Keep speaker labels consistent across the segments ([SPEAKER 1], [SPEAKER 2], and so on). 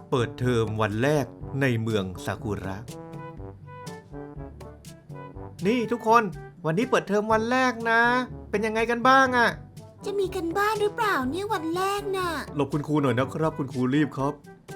[SPEAKER 1] เปิดเทอมวันแรกในเมืองซากุระ นี่ทุกคนวันนี้เปิดเทอมวันแรกนะ เป็นยังไงกันบ้างอะ
[SPEAKER 2] จะมีกันบ้านหรือเปล่าเนี่ยวันแรกน่ะ
[SPEAKER 1] หลบคุณครูหน่อยนะครับคุณครูรีบครับ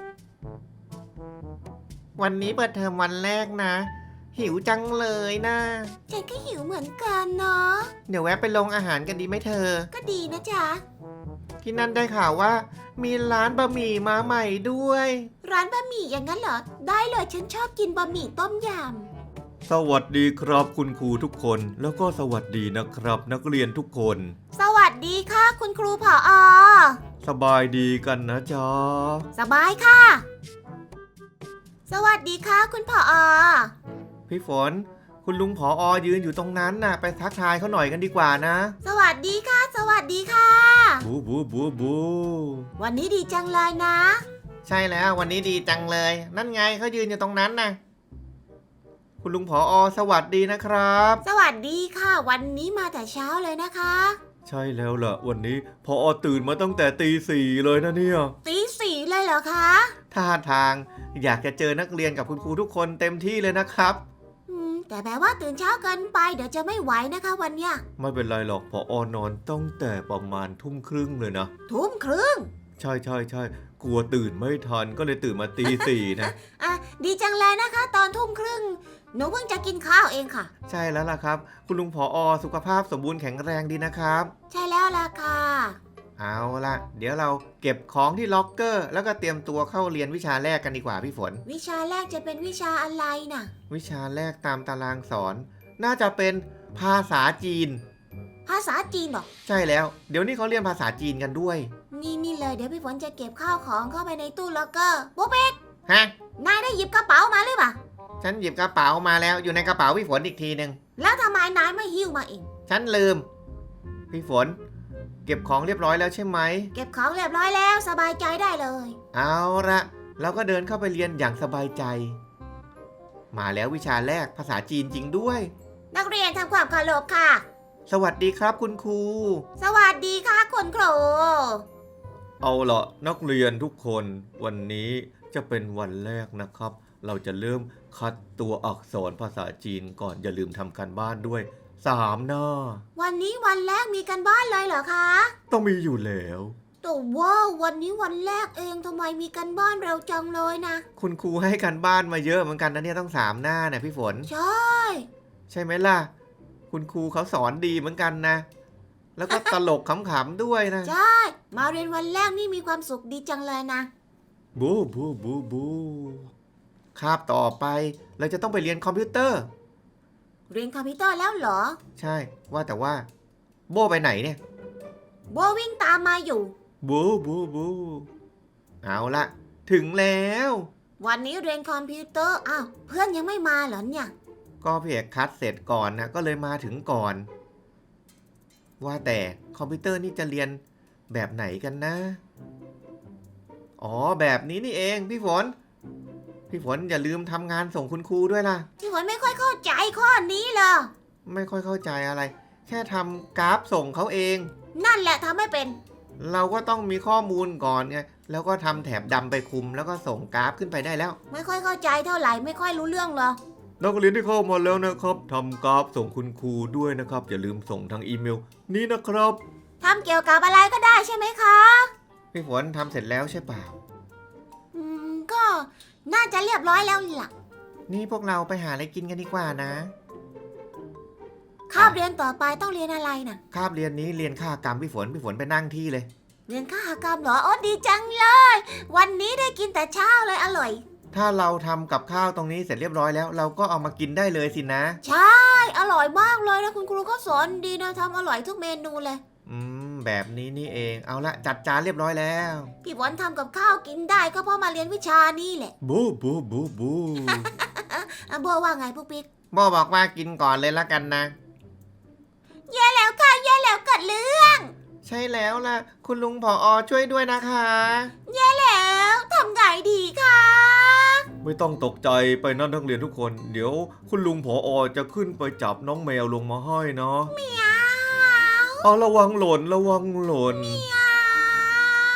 [SPEAKER 1] วันนี้เปิดเทอมวันแรกนะ หิวจังเลยนะ
[SPEAKER 2] ฉันก็หิวเหมือนกันเนาะ
[SPEAKER 1] เดี๋ยวแวะไปลงอาหารกันดีไหมเธอ
[SPEAKER 2] ก็ดีนะจ๊ะ
[SPEAKER 1] ที่นั่นได้ข่าวว่า มีร้านบะหมี่มาใหม่ด้วย
[SPEAKER 2] ร้านบะหมี่อย่างนั้นเหรอ ได้เลยฉันชอบกินบะหมี่ต้มย
[SPEAKER 1] สวัสดีครับคุณครูทุกคนแล้วก็สวัสดีนะครับนักเรียนทุกคน
[SPEAKER 2] ำสวัสดีค่ะคุณครูผอ.
[SPEAKER 1] สบายดีกันนะจ๊ะ
[SPEAKER 2] สบายค่ะ สวัสดีค่ะคุณผอ.
[SPEAKER 1] พี่ฝนคุณลุงผอยืนอยู่ตรงนั้นน่ะไปทักทายเขาหน่อยกันดีกว่านะ
[SPEAKER 2] สวัสดีค่ะ สวัสดีค่ะ
[SPEAKER 1] บูบูบูบู
[SPEAKER 2] วันนี้ดีจังเลยนะ
[SPEAKER 1] ใช่แล้ววันนี้ดีจังเลย นั่นไงเขายืนอยู่ตรงนั้นนะคุณลุงผอสวัสดีนะครับ
[SPEAKER 2] สวัสดีค่ะ วันนี้มาแต่เช้าเลยนะคะ
[SPEAKER 1] ใช่แล้วล่ะวันนี้ผอตื่นมาตั้งแต่ตี 4เลยนะเนี่ย
[SPEAKER 2] ตี 4เลยเหรอคะ
[SPEAKER 1] ท่าทางอยากจะเจอนักเรียนกับคุณครูทุกคนเต็มที่เลยนะครับ
[SPEAKER 2] แต่แบบว่าตื่นเช้าเกินไปเดี๋ยวจะไม่ไหวนะคะวันเนี้ย
[SPEAKER 1] ไม่เป็นไรหรอกผอนอนตั้งแต่ประมาณทุ่มครึ่งเลยนะ
[SPEAKER 2] ทุ่มครึ่ง
[SPEAKER 1] ใช่กลัวตื่นไม่ทันก็เลยตื่นมาตี 4นะ
[SPEAKER 2] ดีจังเลยนะคะ ตอนทุ่มครึ่งหนูเพิ่งจะกินข้าวเองค่ะ
[SPEAKER 1] ใช่แล้วล่ะครับคุณลุงผอสุขภาพสมบูรณ์แข็งแรงดีนะครับ
[SPEAKER 2] ใช่แล้วล่ะค่ะ
[SPEAKER 1] เอาล่ะเดี๋ยวเราเก็บของที่ล็อกเกอร์แล้วก็เตรียมตัวเข้าเรียนวิชาแรกกันดีกว่าพี่ฝน
[SPEAKER 2] วิชาแรกจะเป็นวิชาอะไรน่ะ
[SPEAKER 1] วิชาแรกตามตารางสอน น่าจะเป็นภาษาจีน
[SPEAKER 2] ภาษาจีนเหรอ
[SPEAKER 1] ใช่แล้วเดี๋ยวนี้เขาเรียนภาษาจีนกันด้วย
[SPEAKER 2] นี่เลยเดี๋ยวพี่ฝนจะเก็บข้าวของเข้าไปในตู้ล็อกเกอร์ปุ๊บเป๊ก
[SPEAKER 1] ฮะ
[SPEAKER 2] นายได้หยิบกระเป๋ามาหรือเปล่า
[SPEAKER 1] ฉันหยิบกระเป๋ามาแล้วอยู่ในกระเป๋าพี่ฝนอีกทีหนึ่ง
[SPEAKER 2] แล้วทำไมนายไม่หิ้วมาเอง
[SPEAKER 1] ฉันลืมพี่ฝนเก็บของเรียบร้อยแล้วใช่ไหม
[SPEAKER 2] เก็บของเรียบร้อยแล้วสบายใจได้เลย
[SPEAKER 1] เอาละเราก็เดินเข้าไปเรียนอย่างสบายใจ มาแล้ววิชาแรกภาษาจีนจริงด้วย
[SPEAKER 2] นักเรียนทำความเคารพค่ะ
[SPEAKER 1] สวัสดีครับคุณครู
[SPEAKER 2] สวัสดีค่ะคุณครู
[SPEAKER 1] เอาละนักเรียนทุกคนวันนี้จะเป็นวันแรกนะครับ เราจะเริ่มคัดตัวอักษรภาษาจีนก่อนอย่าลืมทำการบ้านด้วย3 หน้า
[SPEAKER 2] วันนี้วันแรกมีกันบ้านเลยเหรอคะ
[SPEAKER 1] ต้องมีอยู่แล้ว
[SPEAKER 2] แต่ว่าวันนี้วันแรกเองทำไมมีกันบ้านเร็วจังเลยนะ
[SPEAKER 1] คุณครูให้การบ้านมาเยอะเหมือนกันนะเนี่ยต้อง3 หน้านะพี่ฝน
[SPEAKER 2] ใช่
[SPEAKER 1] ใช่ไหมล่ะคุณครูเขาสอนดีเหมือนกันนะ แล้วก็ตลกขำๆด้วยนะ
[SPEAKER 2] ใช่ มาเรียนวันแรกนี่มีความสุขดีจังเลยนะ
[SPEAKER 1] บูบูบูบูคาบต่อไปเราจะต้องไปเรียนคอมพิวเตอร์
[SPEAKER 2] เรียนคอมพิวเตอร์แล้วเหรอ
[SPEAKER 1] ใช่ว่าแต่ว่าโบไปไหนเนี่ย
[SPEAKER 2] โบวิ่งตามมาอยู่
[SPEAKER 1] บูบูบูเอาละถึงแล้ว
[SPEAKER 2] วันนี้เรียนคอมพิวเตอร์อ้าวเพื่อนยังไม่มาเหรอเนี่ย
[SPEAKER 1] ก็พี่เอกคัดเสร็จก่อนนะก็เลยมาถึงก่อน ว่าแต่คอมพิวเตอร์นี่จะเรียนแบบไหนกันนะอ๋อแบบนี้นี่เองพี่ฝนอย่าลืมทำงานส่งคุณครูด้วยล่ะ
[SPEAKER 2] พี่ฝนไม่ค่อยเข้าใจข้อนี้เลย
[SPEAKER 1] ไม่ค่อยเข้าใจอะไร แค่ทำกราฟส่งเขาเอง
[SPEAKER 2] นั่นแหละทำไม่เป็น
[SPEAKER 1] เราก็ต้องมีข้อมูลก่อนไงแล้วก็ทำแถบดำไปคุมแล้วก็ส่งกราฟขึ้นไปได้แล้ว
[SPEAKER 2] ไม่ค่อยเข้าใจเท่าไหร่ไม่ค่อยรู้เรื่องเลย
[SPEAKER 1] นักเรียนที่เข้ามาแล้วนะครับทำกราฟส่งคุณครูด้วยนะครับอย่าลืมส่งทางอีเมลนี้นะครับ
[SPEAKER 2] ทำเกี่ยวกับอะไรก็ได้ใช่ไหมคะ
[SPEAKER 1] พี่ฝนทำเสร็จแล้วใช่เปล่า
[SPEAKER 2] ก็น่าจะเรียบร้อยแล้วล่ะ
[SPEAKER 1] นี่พวกเราไปหาอะไรกินกันดีกว่านะ
[SPEAKER 2] คาบเรียนต่อไปต้องเรียนอะไรน่ะ
[SPEAKER 1] คาบเรียนนี้เรียนค่ากรรมพี่ฝนไปนั่งที่เลย
[SPEAKER 2] เรียนคหกรรมเหรอโอ้ดีจังเลย วันนี้ได้กินแต่เช้าเลยอร่อย
[SPEAKER 1] ถ้าเราทำกับข้าวตรงนี้เสร็จเรียบร้อยแล้ว เราก็เอามากินได้เลยสินะ
[SPEAKER 2] ใช่อร่อยมากเลยนะคุณครูก็สอนดีนะทำอร่อยทุกเมนูเลย
[SPEAKER 1] แบบนี้นี่เองเอาละจัดจานเรียบร้อยแล้ว
[SPEAKER 2] พี่ฝนทำกับข้าวกินได้ก็เพราะมาเรียนวิชานี่แหละ
[SPEAKER 1] บูบูบูบู
[SPEAKER 2] โบว่าไงปุ๊กปิ๊ก
[SPEAKER 1] โบบอกว่ากินก่อนเลยละกันนะ
[SPEAKER 2] แย่แล้วค่ะแย่แล้วกัดเลือด
[SPEAKER 1] ใช่แล้วล่ะคุณลุงผอช่วยด้วยนะคะ
[SPEAKER 2] แย่แล้วทำไงดีคะ
[SPEAKER 1] ไม่ต้องตกใจไปนะนักเรียนทุกคนเดี๋ยวคุณลุงผอจะขึ้นไปจับน้องแมวลงมาให้เนาะ
[SPEAKER 2] เมียว
[SPEAKER 1] เอาระวังหล่นระวังหล่น
[SPEAKER 2] เมียว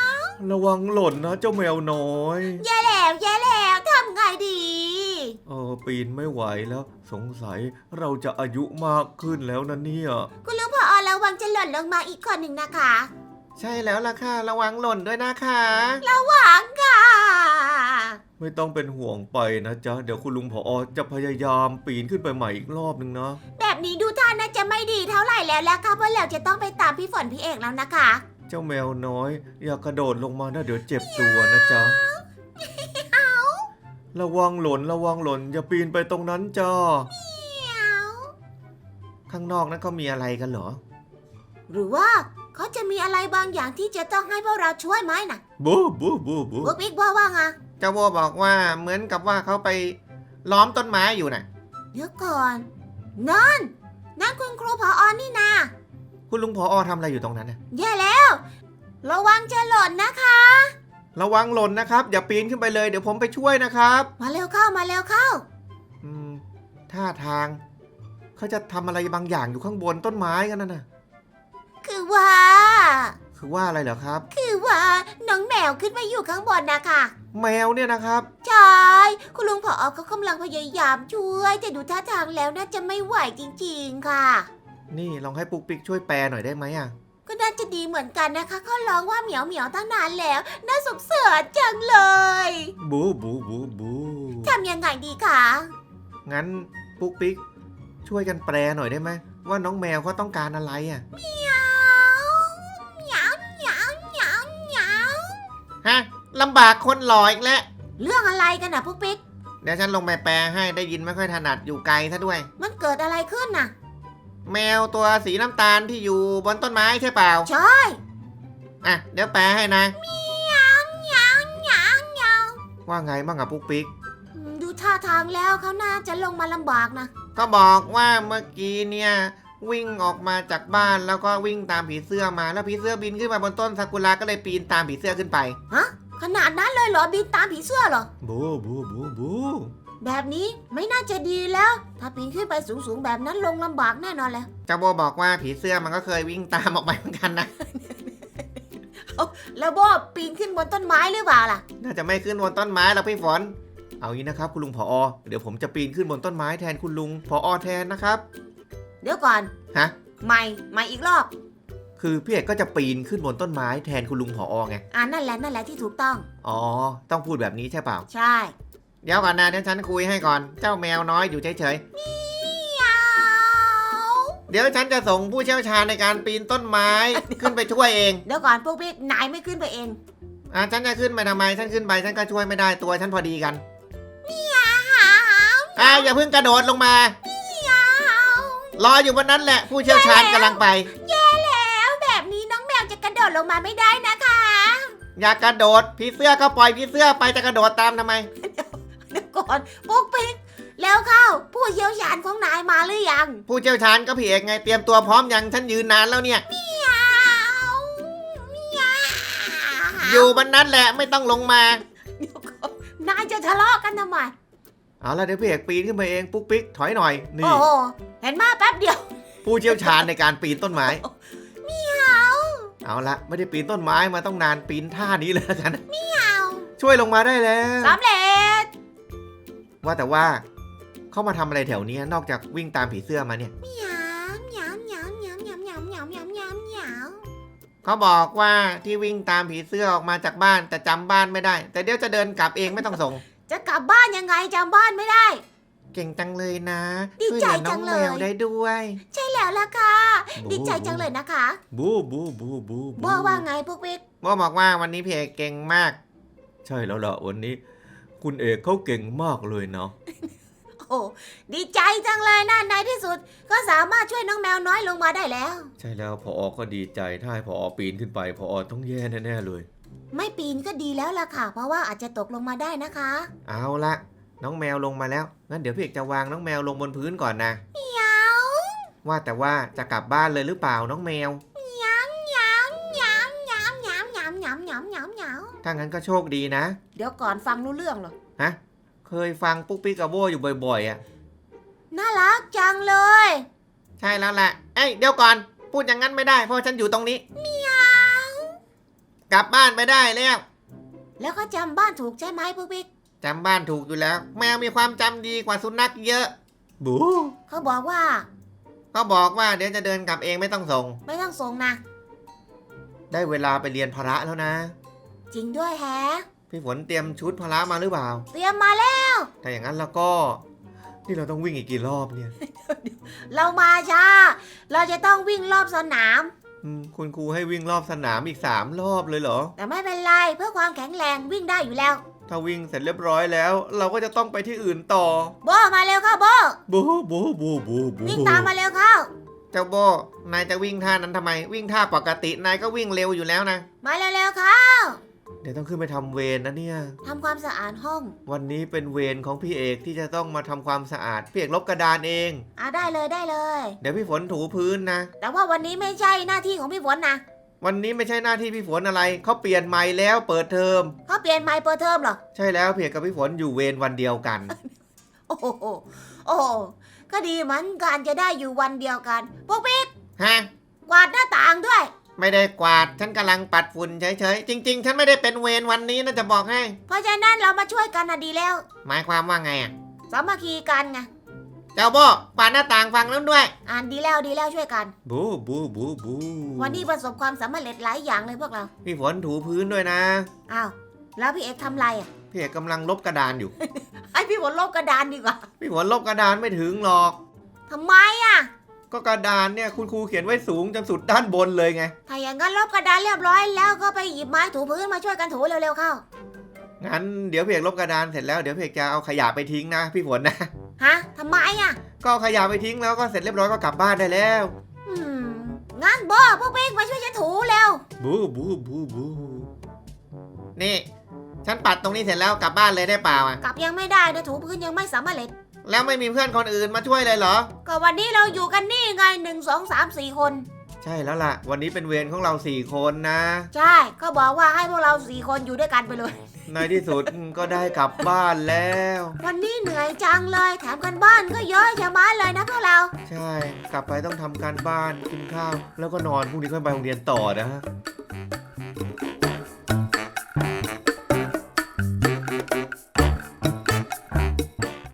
[SPEAKER 1] ระวังหล่นนะเจ้าแมวน้อย
[SPEAKER 2] แย่แล้วทำไงดี
[SPEAKER 1] ปีนไม่ไหวแล้วสงสัยเราจะอายุมากขึ้นแล้วนะเนี่ย
[SPEAKER 2] คุณลุงผอระวังจะหล่นลงมาอีกคนหนึ่งนะคะ
[SPEAKER 1] ใช่แล้วล่ะค่ะระวังหล่นด้วยนะคะ
[SPEAKER 2] ระวังค่ะ
[SPEAKER 1] ไม่ต้องเป็นห่วงไปนะจ๊ะเดี๋ยวคุณลุงผอจะพยายามปีนขึ้นไปใหม่อีกรอบนึงนะ
[SPEAKER 2] แบบนี้ดูท่าน่าจะไม่ดีเท่าไหร่แล้วล่ะค่ะเพราะเราจะต้องไปตามพี่ฝนพี่เอกแล้วนะคะ
[SPEAKER 1] เจ้าแมวน้อยอย่ากระโดดลงมานะเดี๋ยวเจ็บตัวนะจ๊ะระวังหล่นอย่าปีนไปตรงนั้นจ้าข้างนอกนั้นก็มีอะไรกันเหรอ
[SPEAKER 2] หรือว่าเขาจะมีอะไรบางอย่างที่จะต้องให้พวกเราช่วยไหมนะ
[SPEAKER 1] บูบู
[SPEAKER 2] พวกบิ๊กว่าไง
[SPEAKER 1] เจ้าโบบอกว่าเหมือนกับว่าเขาไปล้อมต้นไม้อยู่น่ะ
[SPEAKER 2] เดี๋ยวก่อนนั่นคุณครูผอนี่นา
[SPEAKER 1] คุณลุงผอทำอะไรอยู่ตรงนั้นน่ะ
[SPEAKER 2] แย่แล้ว ระวังจะหล่นนะคะ
[SPEAKER 1] ระวังหล่นนะครับอย่าปีนขึ้นไปเลยเดี๋ยวผมไปช่วยนะครับ
[SPEAKER 2] มาเร็วเข้า
[SPEAKER 1] ท่าทางเขาจะทำอะไรบางอย่างอยู่ข้างบนต้นไม้กันน่ะ
[SPEAKER 2] คือว่า
[SPEAKER 1] คือว่าอะไรเหรอครับ
[SPEAKER 2] คือว่าน้องแมวขึ้นมาอยู่ข้างบนนะคะ
[SPEAKER 1] แมวเนี่ยนะครับ
[SPEAKER 2] ใช่คุณลุงผอเขากำลังพยายามช่วยแต่ดูท่าทางแล้วน่าจะไม่ไหวจริงๆค่ะ
[SPEAKER 1] นี่ลองให้ปุ๊กปิ๊กช่วยแปลหน่อยได้ไหมอ่ะ
[SPEAKER 2] ก็น่าจะดีเหมือนกันนะคะเขาร้องว่าเหมียวตั้งนานแล้วน่าสงสารจังเลย
[SPEAKER 1] บู
[SPEAKER 2] ทำยังไงดีคะ
[SPEAKER 1] งั้นปุ๊กปิ๊กช่วยกันแปลหน่อยได้ไหมว่าน้องแมวเขาต้องการอะไรอ่ะ
[SPEAKER 2] เหมียว
[SPEAKER 1] ฮะลำบากคนหล่ออีกแล้ว
[SPEAKER 2] เรื่องอะไรกันนะพวกปิ๊ก
[SPEAKER 1] เดี๋ยวฉันลงไปแปลให้ได้ยินไม่ค่อยถนัดอยู่ไกลซะด้วย
[SPEAKER 2] มันเกิดอะไรขึ้นน่ะ
[SPEAKER 1] แมวตัวสีน้ำตาลที่อยู่บนต้นไม้ใช่เปล่า
[SPEAKER 2] ใช่
[SPEAKER 1] อ่ะเดี๋ยวแปลให้นะ
[SPEAKER 2] เหมียว
[SPEAKER 1] ว่าไงบ้างอะปุ๊กปิ๊ก
[SPEAKER 2] ดูท่าทางแล้วเขาน่าจะลงมาลำบากนะ
[SPEAKER 1] ก็บอกว่าเมื่อกี้เนี่ยวิ่งออกมาจากบ้านแล้วก็วิ่งตามผีเสื้อมาแล้วผีเสื้อบินขึ้นมาบนต้นซากุระก็เลยปีนตามผีเสื้อขึ้นไป
[SPEAKER 2] ขนาดนั้นเลยเหรอบินตามผีเสื้อเหรอ
[SPEAKER 1] บู
[SPEAKER 2] แบบนี้ไม่น่าจะดีแล้ว ถ้าปีนขึ้นไปสูงๆแบบนั้นลงลำบากแน่นอนแล้ว
[SPEAKER 1] เจ้าโบบอกว่าผีเสื้อมันก็เคยวิ่งตามออกไปเหมือนกันนะ
[SPEAKER 2] แล้วโบปีนขึ้นบนต้นไม้หรือเปล่าล่ะ
[SPEAKER 1] น่าจะไม่ขึ้นบนต้นไม้แล้วพี่ฝน เอางี้นะครับคุณลุงผอเดี๋ยวผมจะปีนขึ้นบนต้นไม้แทนคุณลุงผอแทนนะครับ
[SPEAKER 2] เดี๋ยวก่อน
[SPEAKER 1] ฮะ
[SPEAKER 2] ใหม่อีกรอบ
[SPEAKER 1] คือพี่เอกก็จะปีนขึ้นบนต้นไม้แทนคุณลุงผอไง
[SPEAKER 2] นั่นแหละที่ถูกต้อง
[SPEAKER 1] อ๋อต้องพูดแบบนี้ใช่เปล่า
[SPEAKER 2] ใช่
[SPEAKER 1] เดี๋ยวก่อนนะเดี๋ยวฉันคุยให้ก่อนเจ้าแมวน้อยอยู่เฉยๆเดี๋ยวฉันจะส่งผู้เชี่ยวชาญในการปีนต้นไม้ขึ้นไปช่วยเอง
[SPEAKER 2] เดี๋ยวก่อนพวกพี่นายไม่ขึ้นไปเอง
[SPEAKER 1] ฉันจะขึ้นไปทำไมฉันขึ้นไปฉันก็ช่วยไม่ได้ตัวฉันพอดีกันอย่าเพิ่งกระโดดลงมารออยู่บนนั้นแหละผู้เชี่ยวชาญกำลังไป
[SPEAKER 2] แล้วแบบนี้น้องแมวจะกระโดดลงมาไม่ได้นะคะ
[SPEAKER 1] อย่ากระโดดผีเสื้อก็ปล่อยผีเสื้อไปจะกระโดดตามทำไม
[SPEAKER 2] เดี๋ยวก่อนพวกพี่แล้วเข้าผู้เชี่ยวชาญของนายมาหรือยัง
[SPEAKER 1] ผู้เชี่ยวชาญก็พี่เอกไงเตรียมตัวพร้อมยังฉันยืนนานแล้วเนี่ย อยู่บนนั้นแหละไม่ต้องลงมา
[SPEAKER 2] เดี๋ยวก่อนนายจะทะเลาะกันทำไม
[SPEAKER 1] เอาละเดี๋ยวพี่เอกปีนขึ้นไปเองปุ๊กปิ๊กถอยหน่อยนี่
[SPEAKER 2] โอ้โหเห็นมาแป๊บเดียว
[SPEAKER 1] ผู้เชี่ยวชาญในการปีนต้นไม้เอาละไม่ได้ปีนต้นไม้มาต้องนานปีนท่านี้เลยกันช่วยลงมาได้แล้ว
[SPEAKER 2] สำเร็จ
[SPEAKER 1] ว่าแต่ว่าเขามาทำอะไรแถวนี้นอกจากวิ่งตามผีเสื้อมาเนี่ย
[SPEAKER 2] เหมียว
[SPEAKER 1] เขาบอกว่าที่วิ่งตามผีเสื้อออกมาจากบ้านแต่จำบ้านไม่ได้ แต่เดี๋ยวจะเดินกลับเองไม่ต้องส่ง
[SPEAKER 2] จะกลับบ้านยังไงจำบ้านไม่ได้
[SPEAKER 1] เก่งจังเลยนะ
[SPEAKER 2] ดีใจจังเลย
[SPEAKER 1] ช่วยหอน้องแมวได้ด้วย
[SPEAKER 2] ใช่แล้วล่ะค่ะ ดีใจจังเลยนะคะ
[SPEAKER 1] บู
[SPEAKER 2] โบว่าไงพวกพี่
[SPEAKER 1] โบบอกว่าวันนี้พี่เอกเก่งมาก ใช่แล้วล่ะวันนี้ คุณเอกเขาเก่งมากเลยเนาะ
[SPEAKER 2] โอ้ดีใจจังเลยนะในที่สุด ก็สามารถช่วยน้องแมวน้อยลงมาได้แล้ว
[SPEAKER 1] ใช่แล้วพอก็ดีใจถ้าให้พอปีนขึ้นไปพอต้องแย่แน่ๆเลย
[SPEAKER 2] ไม่ปีนก็ดีแล้วล่ะค่ะ เพราะว่าอาจจะตกลงมาได้นะคะ
[SPEAKER 1] เอาละน้องแมวลงมาแล้วงั้นเดี๋ยวพี่เอกจะวางน้องแมวลงบนพื้นก่อนนะ
[SPEAKER 2] เหมียว
[SPEAKER 1] ว่าแต่ว่าจะกลับบ้านเลยหรือเปล่าน้องแมว ถ้างั้นก็โชคดีนะ
[SPEAKER 2] เดี๋ยวก่อนฟังรู้เรื่องเหรอ
[SPEAKER 1] ฮะเคยฟังปุ๊กปิ๊กกับโบอยู่บ่อยๆอ่ะ
[SPEAKER 2] น่ารักจังเลย
[SPEAKER 1] ใช่แล้วแหละเอ้ยเดี๋ยวก่อนพูดอย่างนั้นไม่ได้เพราะฉันอยู่ตรงนี้
[SPEAKER 2] เหมียว
[SPEAKER 1] กกลับบ้านไปได้แล้ว
[SPEAKER 2] แล้วก็จำบ้านถูกใช่ไหมปุ๊กปิ๊ก
[SPEAKER 1] จำบ้านถูกอยู่แล้ว แมวมีความจำดีกว่าสุนัขเยอะ บู
[SPEAKER 2] เขาบอกว่า
[SPEAKER 1] ก็บอกว่าเดี๋ยวจะเดินกลับเองไม่ต้องส่ง
[SPEAKER 2] ไม่ต้องส่งนะ
[SPEAKER 1] ได้เวลาไปเรียนพละแล้วนะ
[SPEAKER 2] จริงด้วยแฮะ
[SPEAKER 1] พี่ฝนเตรียมชุดพละมาหรือเปล่า
[SPEAKER 2] เตรียมมาแล้ว
[SPEAKER 1] ถ้าอย่างนั้นแล้วก็ นี่เราต้องวิ่งอีกกี่รอบเนี่ย
[SPEAKER 2] เรามาช้า เราจะต้องวิ่งรอบสนาม
[SPEAKER 1] คุณครูให้วิ่งรอบสนามอีก3 รอบเลยเหรอ
[SPEAKER 2] แต่ไม่เป็นไรเพื่อความแข็งแรงวิ่งได้อยู่แล้ว
[SPEAKER 1] ถ้าวิ่งเสร็จเรียบร้อยแล้ว เราก็จะต้องไปที่อื่นต่อ
[SPEAKER 2] โบมาเร็วเข้าโบ
[SPEAKER 1] บูบูบูบูบู
[SPEAKER 2] วิ่งตามมาเร็วเข้า
[SPEAKER 1] เจ้าโบนายจะวิ่งท่านั้นทำไม วิ่งท่าปกตินายก็วิ่งเร็วอยู่แล้วนะ
[SPEAKER 2] มาเร็วๆเข้า
[SPEAKER 1] เดี๋ยวต้องขึ้นไปทำเวรนะเนี่ย
[SPEAKER 2] ทำความสะอาดห้อง
[SPEAKER 1] วันนี้เป็นเวรของพี่เอกที่จะต้องมาทำความสะอาดพี่เอกลบกระดานเอง
[SPEAKER 2] ได้เลยได้เลย
[SPEAKER 1] เดี๋ยวพี่ฝนถูพื้นนะ
[SPEAKER 2] แต่ว่าวันนี้ไม่ใช่หน้าที่ของพี่ฝนนะ
[SPEAKER 1] วันนี้ไม่ใช่หน้าที่พี่ฝนอะไรเขาเปลี่ยนใหม่แล้วเปิดเทอม
[SPEAKER 2] เขาเปลี่ยนไมค์เปิดเทอมเหรอ
[SPEAKER 1] ใช่แล้วพี่เอกกับพี่ฝนอยู่เวรวันเดียวกัน
[SPEAKER 2] โอ้โหโอ้โหก็ดีเหมือนกันจะได้อยู่วันเดียวกันพวกพี่
[SPEAKER 1] ฮะ
[SPEAKER 2] กวาดหน้าต่างด้วย
[SPEAKER 1] ไม่ได้กวาดฉันกำลังปัดฝุ่นเฉยๆจริงๆฉันไม่ได้เป็นเวรวันนี้นะจะบอกให้
[SPEAKER 2] เพราะฉะนั้นเรามาช่วยกันดีแล้ว
[SPEAKER 1] หมายความว่าไงอ่ะ
[SPEAKER 2] สามัคคีกันไง
[SPEAKER 1] เจ้าโบกวาดหน้าต่างฟังนั้นด้วย
[SPEAKER 2] ดีแล้วดีแล้วช่วยกัน
[SPEAKER 1] บูบูบูบู
[SPEAKER 2] วันนี้ประสบความสำเร็จหลายอย่างเลยพวกเรา
[SPEAKER 1] พี่ฝนถูพื้นด้วยนะ
[SPEAKER 2] อ้าวแล้วพี่เอกทำไรอ่ะ
[SPEAKER 1] พี่เอกกำลังลบกระดานอยู่
[SPEAKER 2] ให้พี่ฝนลบกระดานดีกว่า
[SPEAKER 1] พี่ฝนลบกระดานไม่ถึงหรอก
[SPEAKER 2] ทำไมอ่ะ
[SPEAKER 1] ก็กระดานเนี่ยคุณครูเขียนไว้สูงจนสุดด้านบนเลยไง
[SPEAKER 2] ถ้าอย่างนั้นลบกระดานเรียบร้อยแล้วก็ไปหยิบไม้ถูพื้นมาช่วยกันถูเร็วๆเข้า
[SPEAKER 1] งั้นเดี๋ยวพี่เอกลบกระดานเสร็จแล้วเดี๋ยวพี่เอกจะเอาขยะไปทิ้งนะพี่ฝนนะ
[SPEAKER 2] ฮะทำไมอ่ะ
[SPEAKER 1] ก็เอาขยะไปทิ้งแล้วก็เสร็จเรียบร้อยก็กลับบ้านได้แล้ว
[SPEAKER 2] อืมงั้นโบพวกพี่มาช่วยฉันถูเร็ว
[SPEAKER 1] บูบูบูบูนี่ฉันปัดตรงนี้เสร็จแล้วกลับบ้านเลยได้เปล่าอ่ะ
[SPEAKER 2] กลับยังไม่ได้นะถูพื้นยังไม่สำเร็จ
[SPEAKER 1] แล้วไม่มีเพื่อนคนอื่นมาช่วยเลยเหรอ
[SPEAKER 2] ก็วันนี้เราอยู่กันนี่ไง1 2 3 4 คน
[SPEAKER 1] ใช่แล้วล่ะ วันนี้เป็นเวรของเรา4 คนนะ
[SPEAKER 2] ใช่เขาบอกว่าให้พวกเรา4 คนอยู่ด้วยกันไปเลย
[SPEAKER 1] ในที่สุดก็ได้กลับบ้านแล้ว
[SPEAKER 2] วันนี้เหนื่อยจังเลยแถมกันบ้านก็เยอะชะมัดเลยนะพวกเรา
[SPEAKER 1] ใช่ กลับไปต้องทำการบ้านกินข้าว แล้วก็นอนพรุ่งนี้ก็ไปโรงเรียนต่อนะฮะ